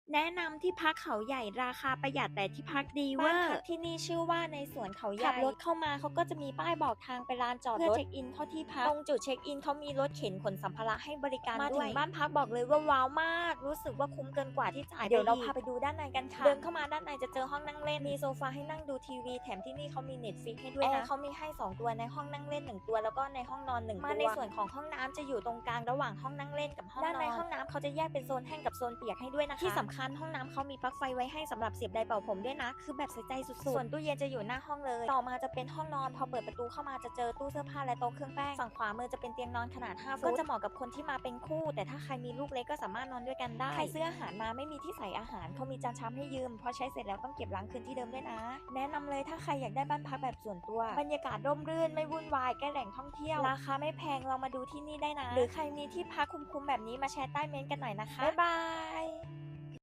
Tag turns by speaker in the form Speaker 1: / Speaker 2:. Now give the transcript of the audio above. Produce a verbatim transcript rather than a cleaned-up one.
Speaker 1: แนะนำที่พักเขาใหญ่ราคาประหยัดแต่ที่พักดีเวอร์บ้านพักที่นี่ชื่อว่าในสวนเขาใหญ่ขับรถเข้ามาเขาก็จะมีป้ายบอกทางไปลานจอดรถเพื่อเช็คอินเข้าที่พักตรงจุดเช็คอินเขามีรถเข็นขนสัมภาระให้บริการด้วยมาถึงบ้านพักบอกเลยว่าว้าวมากรู้สึกว่าคุ้มเกินกว่าที่จ่ายเดี๋ยวเราพาไปดูด้านในกันค่ะเดินเข้ามาด้านในจะเจอห้องนั่งเล่นมีโซฟาให้นั่งดูทีวีแถมที่นี่เขามีเน็ตฟลิกให้ด้วยนะเขามีให้สองตัวในห้องนั่งเล่นหนึ่งตัวแล้วก็ในห้องนอนหนึ่งตัวมาในส่วนของห้องน้ำจะอยู่ตรงกลางระหว่างห้องนั่งเล่นกับห้องนอนด้านในห้องน้ำเขาจะแยกเป็นโซนแห้งกับโซนเปียกให้ด้วยนะคะที่สำคัญห้องน้ำเขามีปลั๊กไฟไว้ให้สำหรับเสียบไดร์เป่าผมด้วยนะคือแบบใส่ใจสุดๆส่วนตู้เย็นจะอยู่หน้าห้องเลยต่อมาจะเป็นห้องนอนพอเปิดประตูเข้ามาจะเจอตู้เสื้อผ้าและโต๊ะเครื่องแป้งฝั่งขวามือจะเป็นเตียงนอนขนาดห้าฟุตก็จะเหมาะกับคนที่มาเป็นคู่แต่ถ้าใครมีลูกเล็กก็สามารถนอนด้วยกันได้ใครซื้ออาหารมาไม่มีที่ใส่อาหารเขามีจานชามให้ยืมพอใช้เสร็จแล้วต้องเก็บล้างคืนที่เดิมด้วยนะแนะนำเลยถ้าใครอยากได้บ้านพักแบบส่วนตัวบรรยากาศร่มรื่นไม่วุ่นวายใกล้แหล่งท่องเที่ยวราคาไม่แพงลองมาดูที่นี่ได้นะหรือใครมีที่พักคุ้มๆแบบนี้มาแชร์ใต้เม้นต์กันหน่อยนะคะบ๊ายบาย